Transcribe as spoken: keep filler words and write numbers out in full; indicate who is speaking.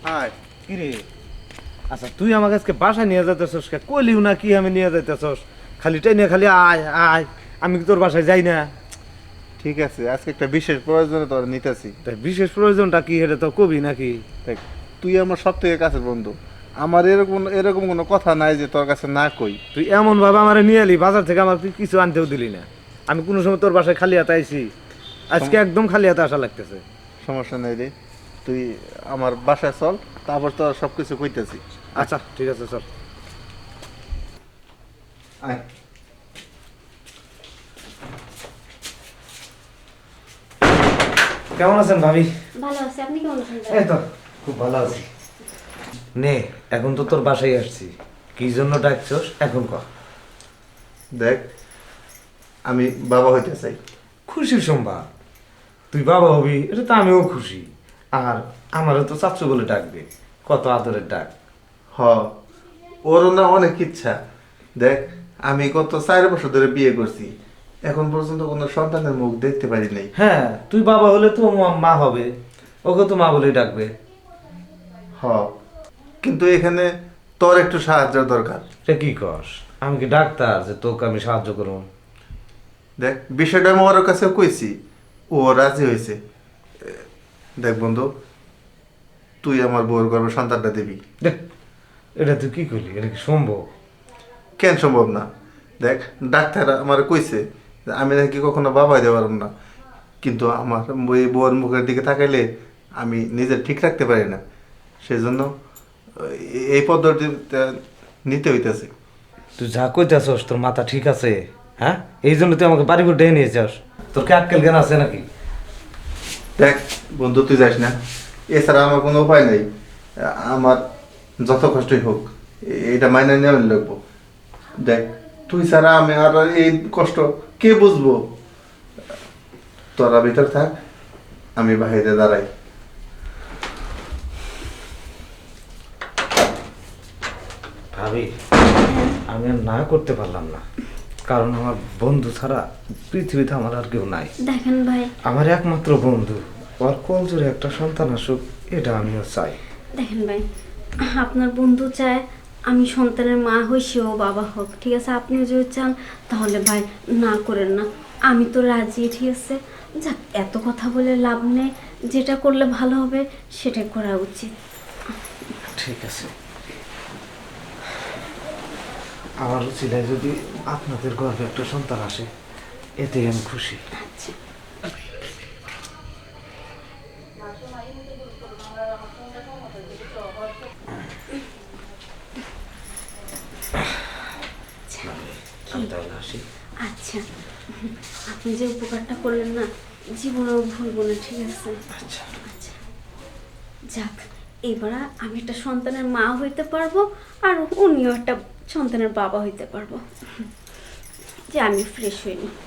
Speaker 1: High
Speaker 2: কি রে? আচ্ছা তুই আমাকে আজকে বাসায় নিয়ে যাইতেছস, কইলিও না কি আমি নিয়ে যাইতেছস, খালি টেনে খালি আয় আয়, আমি কি তোর বাসায় যাই না?
Speaker 1: ঠিক আছে, আজকে একটা বিশেষ প্রয়োজনে তোর নিতেছি।
Speaker 2: তাই বিশেষ প্রয়োজনটা কি এটা তো কবি নাকি?
Speaker 1: দেখ, তুই আমার সব থেকে কাছের বন্ধু। আমার এরকম এরকম কোনো কথা নাই যে তোর কাছে না কই।
Speaker 2: তুই এমন ভাবে আমার নিয়ে এলি, বাজার থেকে আমার তুই কিছু আনতেও দিলি না। আমি কোনো সময় তোর বাসায় খালি হাতে আইছি, আজকে একদম খালি হাতে আসা লাগতেছে।
Speaker 1: সমস্যা নেই রে, তুই আমার বাসায় চল, তারপর তো সব কিছু কইতেছি।
Speaker 2: আচ্ছা ঠিক আছে চল।
Speaker 1: আয়।
Speaker 2: কেমন আছেন ভাবি?
Speaker 3: ভালো আছে, আপনি কেমন আছেন?
Speaker 2: এই তো খুব ভালো আছি। নে এখন তো তোর বাসায় আসছি, কি জন্য ডাকছস এখন কর।
Speaker 1: দেখ, আমি বাবা হইতে চাই।
Speaker 2: খুশির সংবাদ, তুই বাবা হবি এটা তো আমিও খুশি। আর আমারও তো চাচু বলে ডাকবে, কত আদরের ডাক।
Speaker 1: হ, ওরও না অনেক ইচ্ছা। দেখ, আমি গত চার বছর ধরে বিয়ে করছি, এখন পর্যন্ত কোনো সন্তানের মুখ দেখতে পারি নাই।
Speaker 2: হ্যাঁ তুই বাবা হলে তো মা- মা হবে, ওকে তো মা বলেই ডাকবে।
Speaker 1: হ, কিন্তু এখানে তোর একটু সাহায্যের দরকার।
Speaker 2: এটা কি কস? আমি কি ডাক্তার যে তোকে আমি সাহায্য করবো?
Speaker 1: দেখ, বিষয়টা আমি ওর কাছে কইছি, ও রাজি হয়েছে। দেখ বন্ধু, তুই আমার বউর গর্ভে সন্তানটা দিবি।
Speaker 2: দেখ এটা তুই কি করলি, এটা কি সম্ভব?
Speaker 1: কেন সম্ভব না? দেখ, ডাক্তার আমার কইছে যে আমি নাকি কখনো বাবা দিতে পারব না, কিন্তু আমার এই বউর মুখের দিকে তাকাইলে আমি নিজে ঠিক রাখতে পারি না, সেজন্য এই পদ্ধতিটা নিতে হইতেছে।
Speaker 2: তুই যা কইতেছস তোর মাথা ঠিক আছে? হ্যাঁ, এই জন্য তুই আমাকে বাড়ি করে ডেকে নিয়ে যাস? তোর কি আক্কেল জ্ঞান আছে নাকি?
Speaker 1: দেখ বন্ধু, তুই যাস না, এছাড়া আমার কোনো উপায় নেই। আমার যত কষ্টই হোক এটা মাইনে নেওয়া লাগবো। দেখ, তুই ছাড়া আমি আর এই কষ্ট কে বুঝবো? তোরা ভিতর থাক, আমি বাইরে দাঁড়াই।
Speaker 2: ভাবি, আমি আর না করতে পারলাম না, কারণ আমার বন্ধু ছাড়া পৃথিবীতে আমার আর কেউ নাই।
Speaker 3: দেখেন ভাই,
Speaker 2: আমার একমাত্র বন্ধু, ওর কোল জোরে একটা সন্তান আসুক, এটা আমিও চাই।
Speaker 3: দেখেন ভাই, আপনার বন্ধু চায় আমি সন্তানের মা হই, সেও বাবা হোক, ঠিক আছে? আপনিও যদি চান তাহলে ভাই না করেন না, আমি তো রাজি, ঠিক আছে? যাক, এত কথা বলে লাভ নেই, যেটা করলে ভালো হবে সেটাই করা উচিত।
Speaker 2: ঠিক আছে, আমার ছিল যদি আপনাদের গর্ভে একটা সন্তান আসে, এতেই আমি খুশি।
Speaker 3: আচ্ছা,
Speaker 2: আমি তাহলে আসি।
Speaker 3: আচ্ছা, আপনি যে উপকারটা করলেন না, জীবনেও ভুলবো না, ঠিক আছে?
Speaker 2: আচ্ছা,
Speaker 3: আচ্ছা, যাক, এবার আমি একটা সন্তানের মা হইতে পারবো, আর উনিও একটা সন্তানের বাবা হইতে পারবো। যে আমি ফ্রেশ হইনি।